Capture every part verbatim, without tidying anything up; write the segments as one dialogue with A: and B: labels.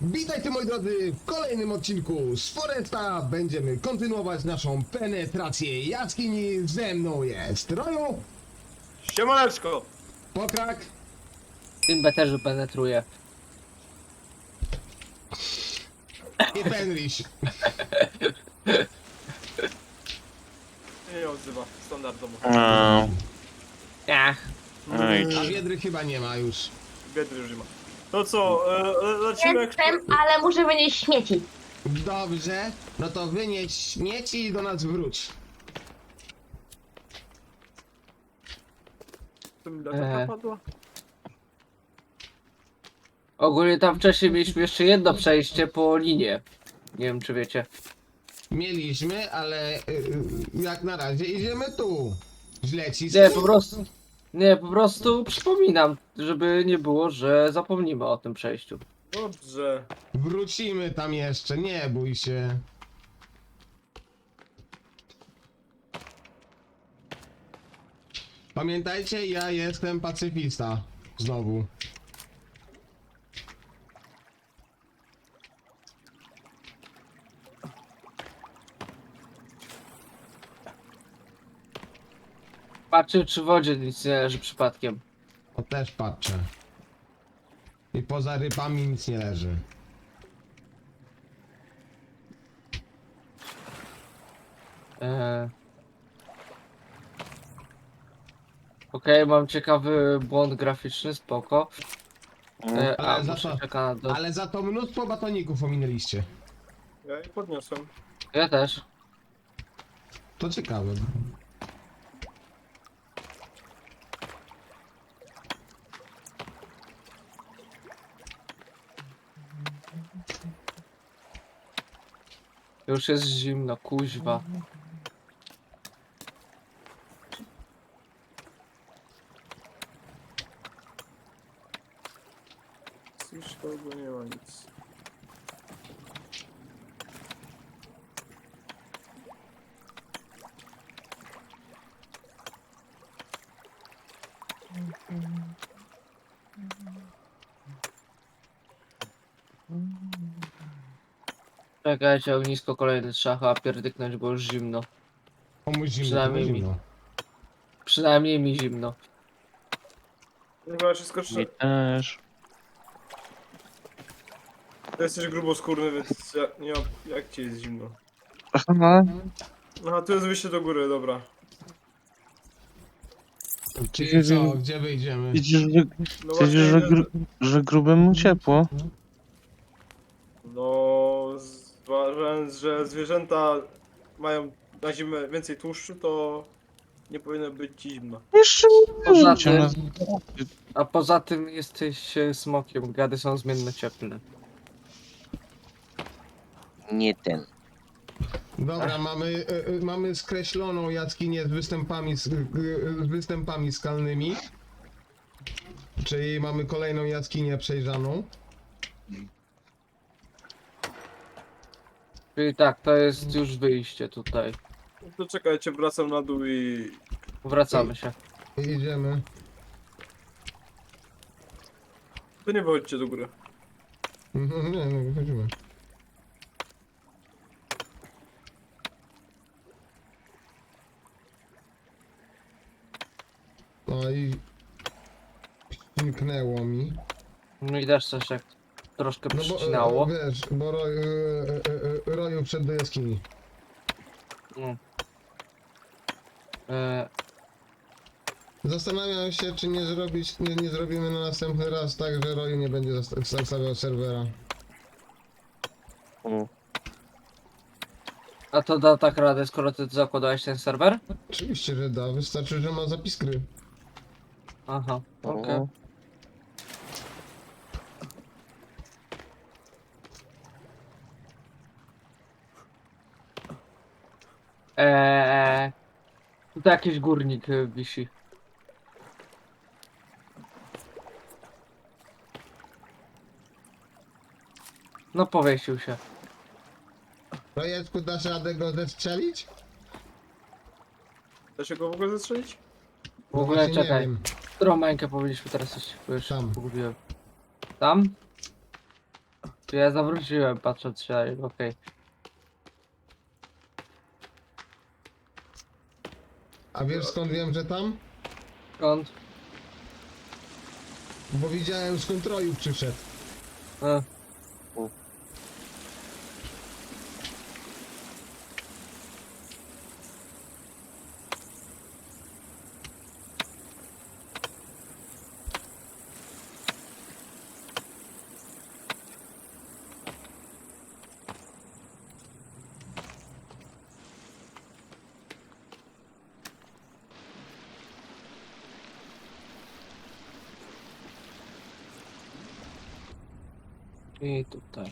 A: Witajcie moi drodzy w kolejnym odcinku z Foresta. Będziemy kontynuować naszą penetrację jaskini. Ze mną jest Roju,
B: Siemaneczko!
A: Pokrak
C: Tym beterzu penetruje.
A: i Fenris.
B: Nie, nie odzywa, standardowo.
D: No,
C: Ach,
D: oj,
A: A Wiedry chyba nie ma już.
B: Biedry już nie ma. To co, e, e, lecimy jak...
E: Jestem, ale muszę wynieść śmieci.
A: Dobrze, no to wynieś śmieci i do nas wróć.
B: To mi
C: Eee.
B: latarka padła?
C: ogólnie tam wcześniej mieliśmy jeszcze jedno przejście po linie. Nie wiem czy wiecie.
A: Mieliśmy, ale y, y, jak na razie idziemy tu. Źle ci
C: Nie, po prostu. Nie, po prostu przypominam, żeby nie było, że zapomnimy o tym przejściu.
B: Dobrze.
A: Wrócimy tam jeszcze, nie bój się. Pamiętajcie, ja jestem pacyfista. Znowu.
C: Patrzę czy w wodzie nic nie leży przypadkiem.
A: To też patrzę. I poza rybami nic nie leży.
C: Eee. Okej, mam ciekawy błąd graficzny, spoko. Eee, a,
A: Ale za
C: muszę
A: to-
C: czekać na do...
A: Ale za to mnóstwo batoników ominęliście.
B: Ja je podniosłem.
C: Ja też.
A: To ciekawe.
C: Już jest zimno, kuźwa.
B: Cóż, tego nie ma nic.
C: Czekajcie, ognisko kolejne trzeba chyba pierdyknąć, bo już zimno.
A: Komuś zimno,
C: Przynajmniej
A: komuś
C: mi.
A: zimno.
C: Przynajmniej mi zimno.
B: Chyba wszystko
D: mi
B: trzy.
D: też.
B: Ty jesteś gruboskórny, więc ja, nie mam... Jak ci jest zimno?
D: Aha,
B: Aha, tu jest wyjście do góry, dobra.
A: Czyli co, gdzie wyjdziemy?
D: widzisz, że,
B: No
D: widzisz, że,
B: idę-
D: gru, że grubemu ciepło.
B: No, zważając, że zwierzęta mają na zimę więcej tłuszczu, to nie powinno być ci zimno.
D: Jeszcze nie
C: Poza
D: wierzycie
C: tym-
D: nas.
C: A poza tym jesteś e, smokiem, gady są zmienne cieplne.
D: Nie ten.
A: Dobra, mamy, y, y, mamy skreśloną jaskinię z występami, z, y, y, z występami skalnymi. Czyli mamy kolejną jaskinię przejrzaną.
C: Czyli tak, to jest już wyjście tutaj.
B: No to czekajcie, wracam na dół i...
C: Wracamy się.
A: I idziemy.
B: To nie wychodźcie do góry.
A: Mhm, nie, nie, wychodzimy. No i... Śniknęło mi.
C: No i też coś jak troszkę
A: No bo,
C: przycinało.
A: e, wiesz, bo roj, e, e, e, Roju wszedł do jaskini.
C: No. E,
A: Zastanawiam się, czy nie zrobić, nie, nie zrobimy na następny raz tak, że Roju nie będzie zasta- zostawiał serwera.
D: O,
C: a to da tak radę, skoro ty zakładałeś ten serwer?
A: Oczywiście, że da, wystarczy, że ma zapis gry.
C: Aha, okej.
D: o.
C: Eee, tutaj jakiś górnik e, wisi. No powiesił się.
A: Rojeczku, dasz radę go zestrzelić?
B: Da się go w ogóle zastrzelić?
C: W ogóle
A: No właśnie nie
C: czekaj.
A: wiem.
C: Którą mańkę powinniśmy teraz iść? Bo już
A: Tam.
C: pogubiłem. Tam? Ja zawróciłem patrząc się, okej.
A: A wiesz skąd wiem, że tam?
C: Skąd?
A: Bo widziałem, z kontroli przyszedł.
C: E, I tutaj.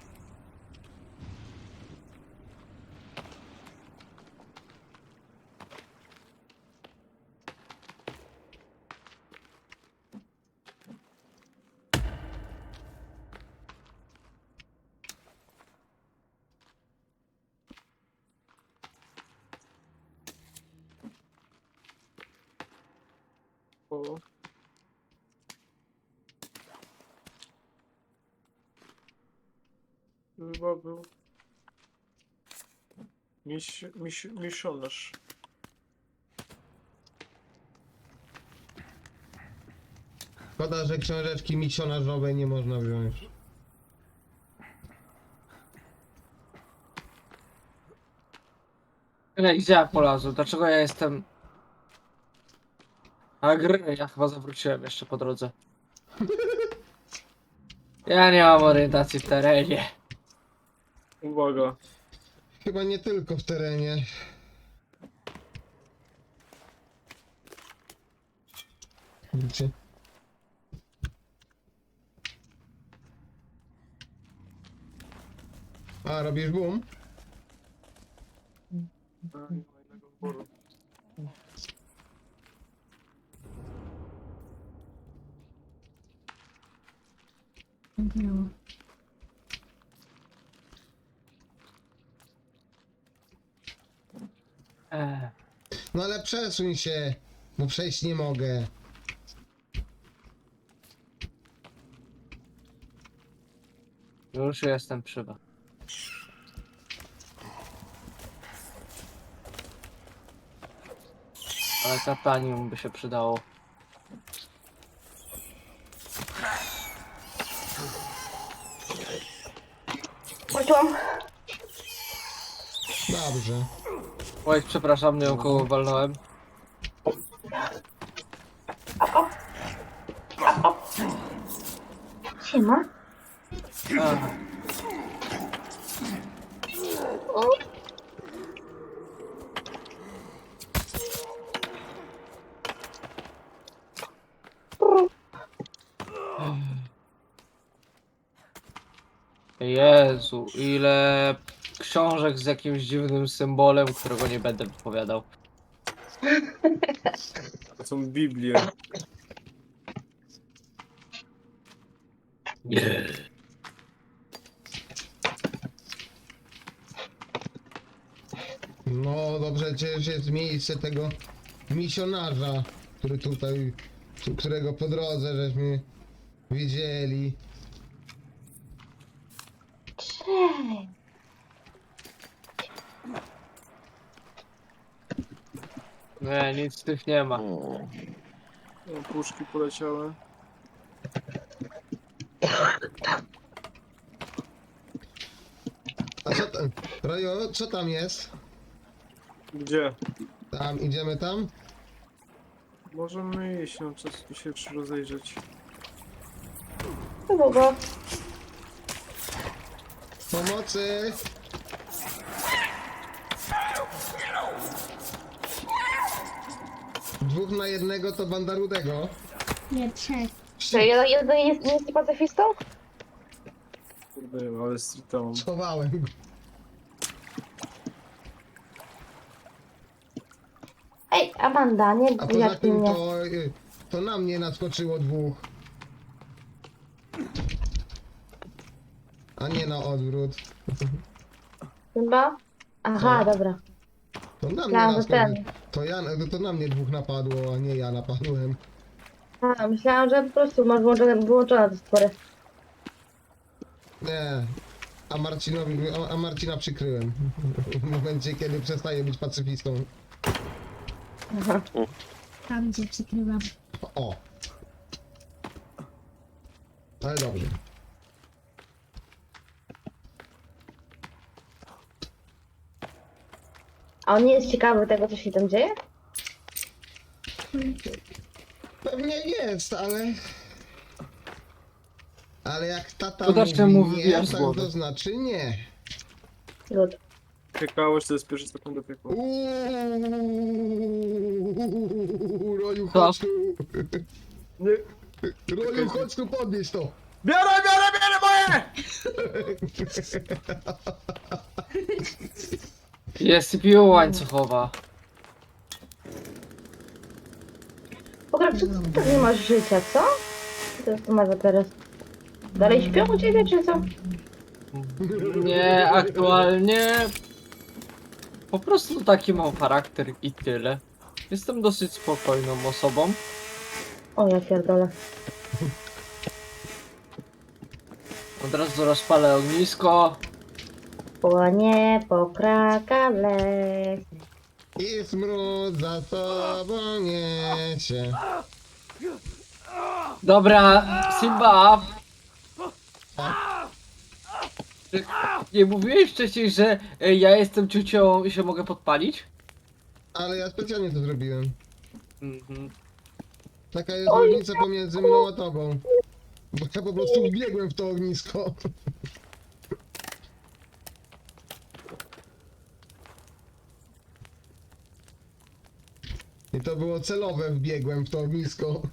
B: O. Chyba był... Miś... Miś... Misjonarz.
A: Szkoda, że książeczki misjonarzowej nie można wziąć.
C: Ej, gdzie ja polazłem? Dlaczego ja jestem... A gry, ja chyba zawróciłem jeszcze po drodze. Ja nie mam orientacji w terenie.
B: Uwaga.
A: Chyba nie tylko w terenie. Widzicie? A, robisz boom?
B: A, nie ma innego wyboru.
C: Eee,
A: No ale przesuń się, bo przejść nie mogę.
C: już jestem przy was. Ale katanium by się przydało.
E: Wróciłam.
A: Dobrze.
C: Oj, przepraszam, nie ją koło walnąłem.
E: Siema.
C: Ach, Jezu, ile książek z jakimś dziwnym symbolem, którego nie będę wypowiadał.
B: To są Biblie.
C: Nie.
A: No dobrze, przecież jest miejsce tego misjonarza, który tutaj, tu- którego po drodze żeśmy widzieli.
E: Cześć.
C: Nie, nic z tych nie ma.
B: O, puszki poleciały.
A: A co tam, Rojo, co tam jest?
B: Gdzie?
A: Tam, idziemy tam?
B: Możemy iść, no czas tu się jeszcze rozejrzeć.
E: Długo.
A: Pomocy! Dwóch na jednego to banda rudego.
F: Nie, trzech.
E: Czy jeden, jeden jest, nie jest pacyfistą?
B: Kurde, ale streeta mam.
A: Schowałem go.
E: Ej, Amanda, nie
A: A poza
E: jak
A: tym
E: mnie.
A: to, y, to na mnie naskoczyło dwóch. A nie na odwrót.
E: Chyba? Aha,
A: Co?
E: dobra.
A: To na mnie
E: Myślałam, że
A: naskoczyło.
E: ten.
A: To ja, to na mnie dwóch napadło, a nie ja napadłem.
E: A, myślałam, że po prostu masz włączone, wyłączone te stwory.
A: Nie. A Marcinowi, a, a Marcina przykryłem. W momencie, kiedy przestaje być pacyfistą.
E: Aha.
F: Tam gdzie przykrywam.
A: O. Ale dobrze.
E: A on nie jest ciekawy tego, co się tam dzieje?
A: Pewnie jest, ale... Ale jak tata
C: Kudaczka
A: mówi
C: mu
A: nie,
C: wybija z
A: tak
C: głowy.
A: to znaczy nie.
E: Good.
B: Piekałeś, to jest pierwszy sekund piekła.
A: Uuuu, Roju,
C: Co?
A: chodź tu.
B: Nie.
A: Roju, chodź tu, podnieś to.
B: Biorę, biorę, biorę moje!
C: Jest piła łańcuchowa.
E: Pograb, co ty tak nie masz życia, co? Co to ma za teraz? Dalej śpią u ciebie, czy co?
C: Nie, aktualnie... Po prostu taki mam charakter i tyle. Jestem dosyć spokojną osobą.
E: O, ja pierdolę.
C: Od razu rozpalę ognisko.
E: Płonie po krakale.
A: I smród za sobą niesie.
C: Dobra, Simba! Czy nie mówiłeś wcześniej, że e, ja jestem ciucią i się mogę podpalić?
A: Ale ja specjalnie to zrobiłem.
C: Mhm.
A: Taka jest różnica pomiędzy mną a tobą. Bo ja po prostu wbiegłem w to ognisko. I to było celowe, wbiegłem w to ognisko.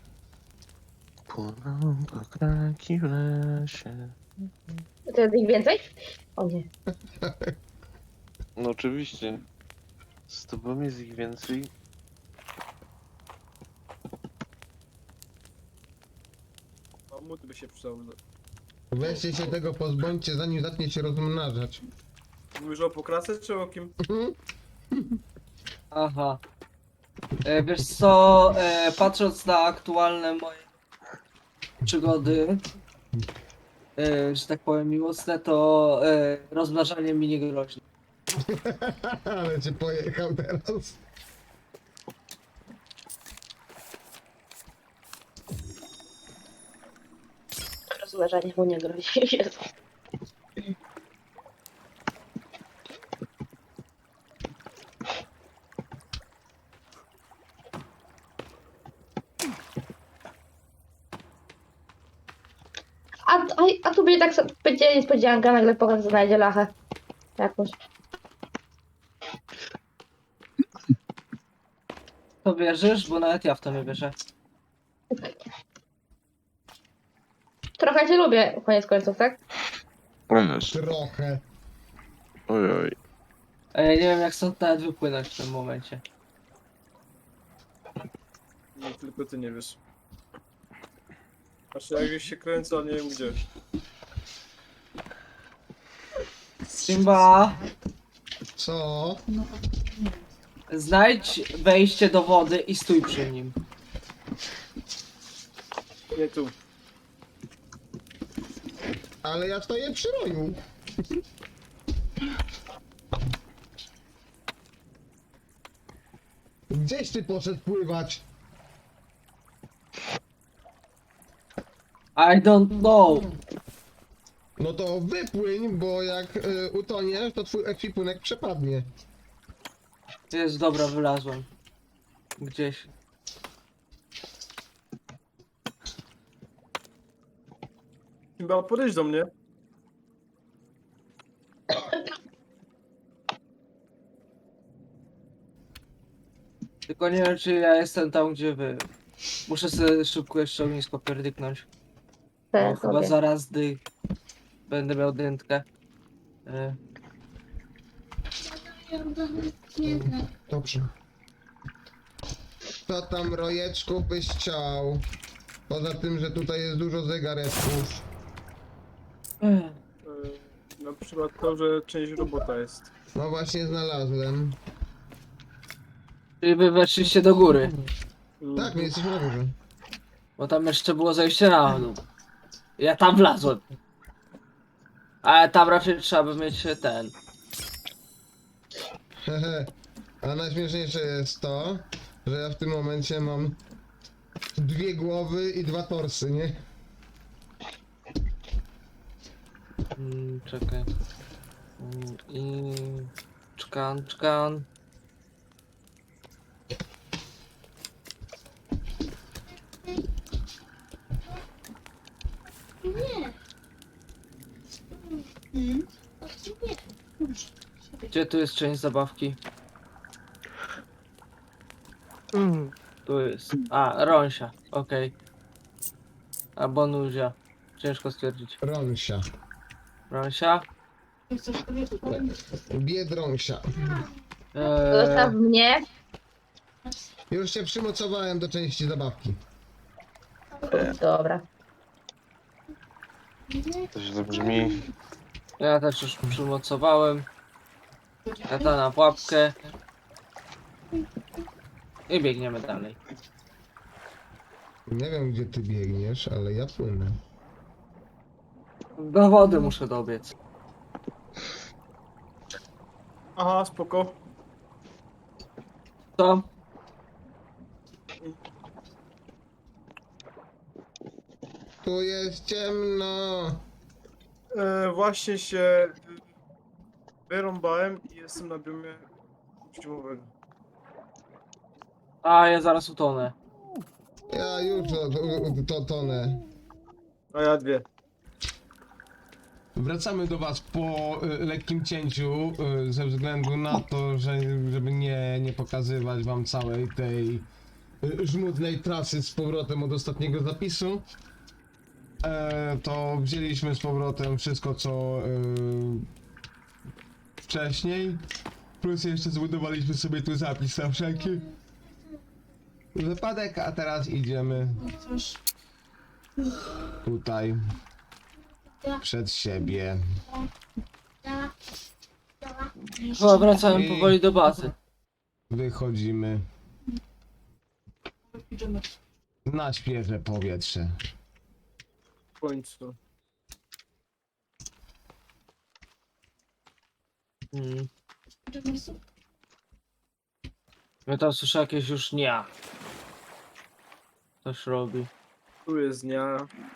D: Płoną pokraki w lesie.
E: To jest ich więcej? O nie.
D: No oczywiście. Z tobą jest ich więcej.
B: Mamut by się przydał.
A: Weźcie się tego pozbądźcie, zanim zacznie się rozmnażać.
B: Mówisz o pokrace czy o kim?
C: Aha. E, wiesz co, e, patrząc na aktualne moje przygody, e, że tak powiem miłosne, to e, rozmnażanie mi nie grozi.
A: Ale cię pojechał teraz.
E: Rozważanie mu nie grozi. Jezu. A, a, a tu będzie tak, so- będzie niespodzianka, nagle pokaz znajdzie lachę. Jakąś.
C: To wierzysz? Bo nawet ja w to nie wierzę.
E: Trochę cię lubię, koniec końców, tak?
D: Ależ.
A: Trochę.
D: Ojoj.
C: E, nie wiem jak stąd nawet wypłynąć w tym momencie.
B: Nie, tylko ty nie wiesz. Patrzę, jak gdzieś się kręcę, ale nie wiem gdzie.
C: Simba,
A: Co?
C: znajdź wejście do wody i stój przy nim.
B: Nie tu.
A: Ale ja stoję przy roju. Gdzieś ty poszedł pływać?
C: I don't know.
A: No to wypłyń, bo jak y, utoniesz, to twój ekwipunek przepadnie.
C: Jest dobra, wylazłem. Gdzieś.
B: Chyba podejdź do mnie.
C: Tylko nie wiem czy ja jestem tam gdzie wy. Muszę sobie szybko jeszcze ognisko pierdyknąć. Bo
E: Te
C: chyba
E: sobie.
C: zaraz dy... będę miał dętkę. E,
F: Nie znam.
A: Dobrze. Co tam, rojeczku, byś chciał? Poza tym, że tutaj jest dużo zegareczków.
C: Ech.
B: Yy, na przykład to, że część robota jest.
A: No właśnie znalazłem.
C: Czyli wy weszliście do góry.
A: Tak, my jesteśmy na górze.
C: Bo tam jeszcze było zejście na dół. Ja tam wlazłem. Ale tam raczej trzeba by mieć ten.
A: Hehe. A najśmieszniejsze jest to, że ja w tym momencie mam dwie głowy i dwa torsy, nie?
C: Mm, czekaj. Mm, I... Czkan, czkan.
F: Nie. Hmm. Nie.
C: Gdzie tu jest część zabawki? Tu jest. A, Ronsia, okej. Albo Nuzia. Ciężko stwierdzić.
A: Ronsia.
C: Ronsia?
A: Biedronsia.
E: Zostaw
C: Eee,
E: mnie.
A: Już się przymocowałem do części zabawki.
E: Dobra.
D: To źle brzmi.
C: ja też już przymocowałem. Kata na pułapkę. I biegniemy dalej.
A: Nie wiem gdzie ty biegniesz, ale ja płynę.
C: Do wody muszę dobiec.
B: Aha, spoko.
C: Co?
A: Tu jest ciemno.
B: E, właśnie się wyrąbałem i jestem na biomie zimowego.
C: A, ja zaraz utonę.
A: Ja już to, to, to tonę.
B: A ja dwie.
A: Wracamy do was po y, lekkim cięciu, y, ze względu na to, że żeby nie, nie pokazywać wam całej tej y, żmudnej trasy z powrotem od ostatniego zapisu. E, to wzięliśmy z powrotem wszystko co y, wcześniej. Plus jeszcze zbudowaliśmy sobie tu zapis na wszelki wypadek, a teraz idziemy tutaj przed siebie.
C: Chyba wracałem powoli do bazy.
A: Wychodzimy na świeże powietrze.
B: W końcu.
C: Mm. Ja tam słyszę jakieś już nie. Coś robi.
B: Tu jest dnia.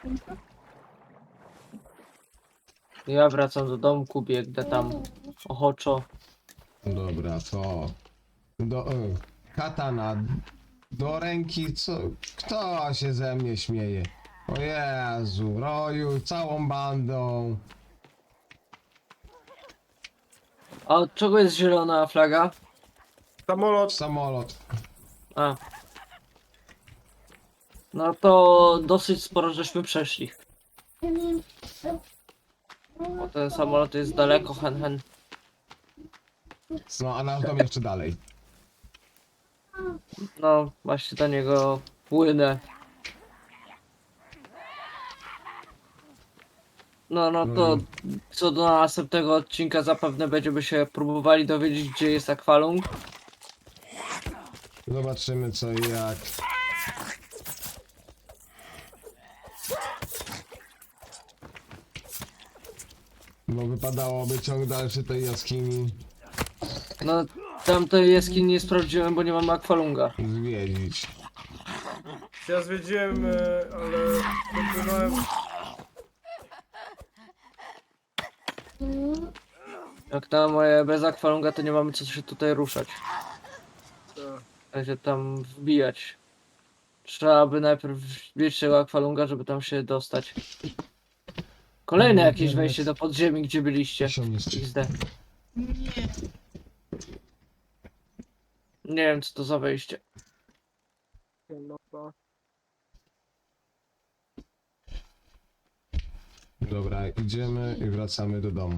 C: Ja wracam do domku, biegnę tam ochoczo.
A: Dobra, to do e, katana do ręki, co? Kto się ze mnie śmieje? O Jezu, roju, całą bandą.
C: A od czego jest zielona flaga?
B: Samolot.
A: Samolot.
C: A. No to dosyć sporo żeśmy przeszli. Bo ten samolot jest daleko, hen hen.
A: No, a nasz dom jeszcze dalej.
C: No właśnie do niego płynę. No, no to co do następnego odcinka zapewne będziemy się próbowali dowiedzieć, gdzie jest akwalung.
A: Zobaczymy co i jak. Bo wypadałoby ciąg dalszy tej jaskini
C: No tamtej jaskini nie sprawdziłem, bo nie mamy akwalunga.
A: zwiedzić.
B: Ja zwiedziłem, e, ale dopłynąłem.
C: Jak na moje bez akwalunga to nie mamy co się tutaj ruszać.
B: e,
C: się tam wbijać. Trzeba by najpierw wbić tego akwalunga, żeby tam się dostać. Kolejne jakieś wejście do podziemi, gdzie byliście.
A: Siomniszczy.
C: X D. Nie wiem co to za wejście.
B: no, no.
A: Dobra, idziemy i wracamy do domu.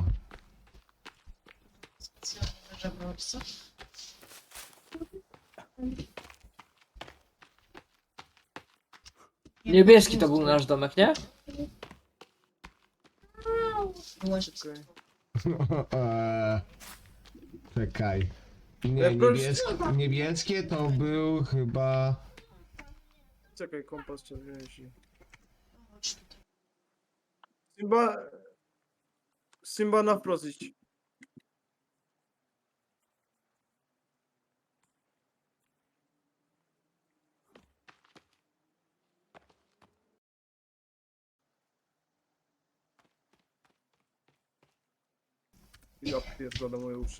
C: Niebieski to był nasz domek, nie?
B: Okej.
A: Eee, Czekaj. Nie,
B: Ja proszę-
A: niebieskie, niebieskie to był chyba...
B: Czekaj, kompas czerwieni. Chyba... Simba na wprost iść. Ja pierdolę moje uszy.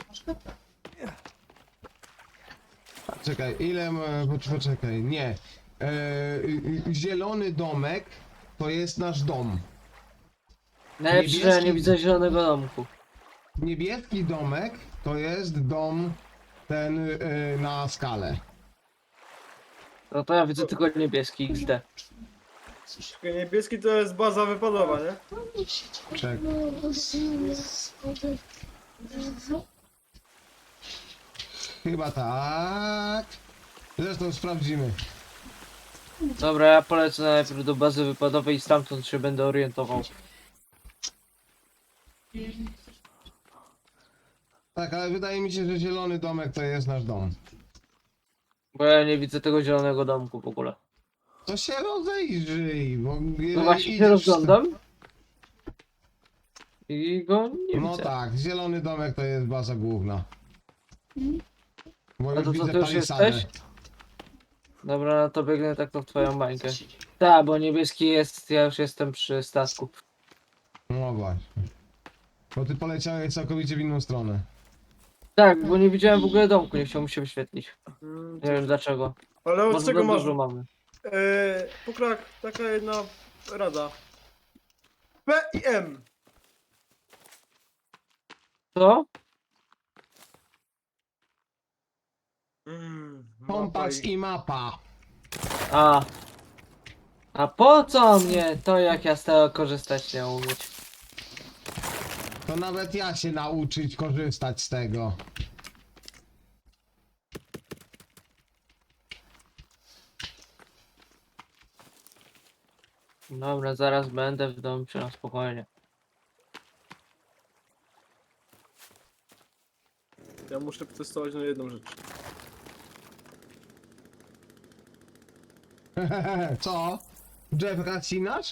A: Czekaj, ile... ma- pocz- Poczekaj, nie. E, y, y, zielony domek to jest nasz dom.
C: Najlepsze, że ja nie
A: Niebieski-
C: widzę zielonego domku.
A: Niebieski domek to jest dom ten y, na skalę.
C: No to ja widzę tylko niebieski X D.
B: Czekaj, niebieski to jest baza wypadowa, nie?
A: Czek. Chyba tak. Zresztą sprawdzimy.
C: Dobra, ja polecę najpierw do bazy wypadowej i stamtąd się będę orientował.
A: Tak, ale wydaje mi się, że zielony domek to jest nasz dom.
C: Bo ja nie widzę tego zielonego domku w ogóle.
A: To się rozejrzyj, bo...
C: No właśnie się rozglądam. I go nie
A: No
C: widzę.
A: tak, zielony domek to jest baza główna. Bo
C: A
A: już
C: to co,
A: widzę
C: ty już
A: palisadę.
C: jesteś? Dobra, no to biegnę tak to w twoją bańkę. Tak, bo niebieski jest, ja już jestem przy stasku.
A: No właśnie. Bo ty poleciałeś całkowicie w inną stronę.
C: Tak, bo nie widziałem w ogóle domku, nie chciał mi się wyświetlić.
B: Mm,
C: Nie wiem dlaczego.
B: Ale od
C: Może
B: czego
C: za
B: masz?
C: dużo mamy.
B: Eee, Pokrak, taka jedna rada. P i M.
C: Co?
B: Mm,
A: Kompas
B: mapa i-
A: i mapa.
C: A. A po co mnie to, jak ja z tego korzystać nie umieć?
A: To nawet ja się nauczyć korzystać z tego.
C: Dobra, zaraz będę w domu na spokojnie.
B: Ja muszę testować na jedną rzecz.
A: Co? Jeff Racinasz?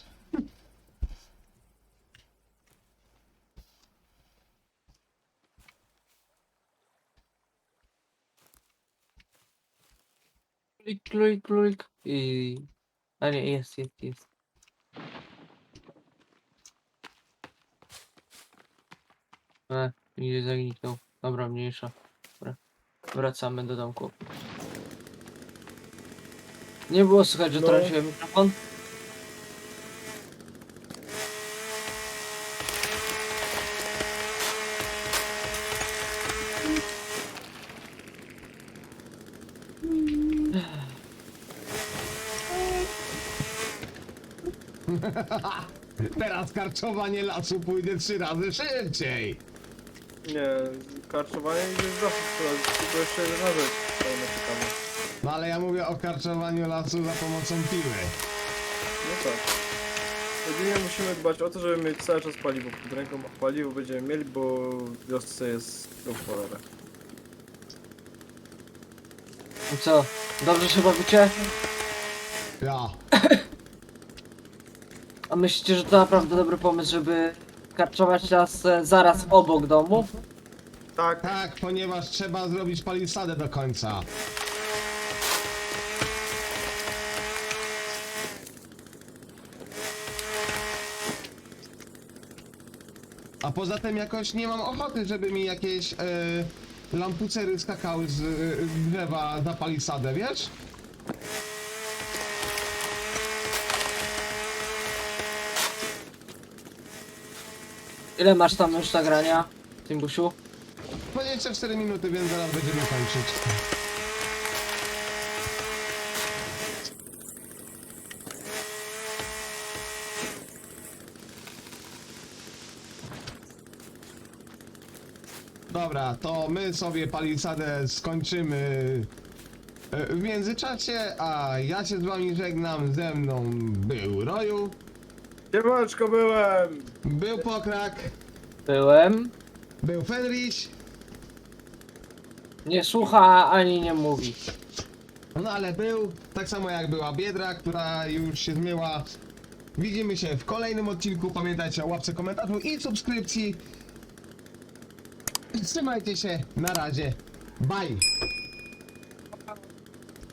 C: Klik, klik, klik i... A nie, jest, jest, jest. E, idzie zagniknął. Dobra, mniejsza. Dobra. Wracamy do domku. Nie było słychać, że
B: No.
C: traciłem mikrofon?
A: Teraz karczowanie lasu pójdzie trzy razy szybciej.
B: Nie, karczowanie jest zawsze trzeba, tylko jeszcze jedna rzecz. To naczekamy.
A: No ale ja mówię o karczowaniu lasu za pomocą piły.
B: No tak. Jedynie musimy dbać o to, żeby mieć cały czas paliwo pod ręką, a paliwo będziemy mieli, bo w wiosce jest go w cholerę.
C: I co? Dobrze się bawicie?
A: Ja.
C: A myślicie, że to naprawdę dobry pomysł, żeby karczować las e, zaraz obok domu?
B: Tak,
A: Tak, ponieważ trzeba zrobić palisadę do końca. A poza tym jakoś nie mam ochoty, żeby mi jakieś e, lampucery skakały z e, drzewa za palisadę, wiesz?
C: Ile masz tam już nagrania, Timbusiu?
A: dwadzieścia cztery minuty, więc zaraz będziemy kończyć. Dobra, to my sobie palisadę skończymy e, w międzyczasie, a ja się z wami żegnam. Ze mną był Roju,
B: siemaneczko byłem!
A: był Pokrak,
C: Byłem.
A: był Fenris,
C: Nie słucha ani nie mówi.
A: no ale był, tak samo jak była Biedra, która już się zmyła. Widzimy się w kolejnym odcinku, pamiętajcie o łapce, komentarzu i subskrypcji. Trzymajcie się, na razie. Bye.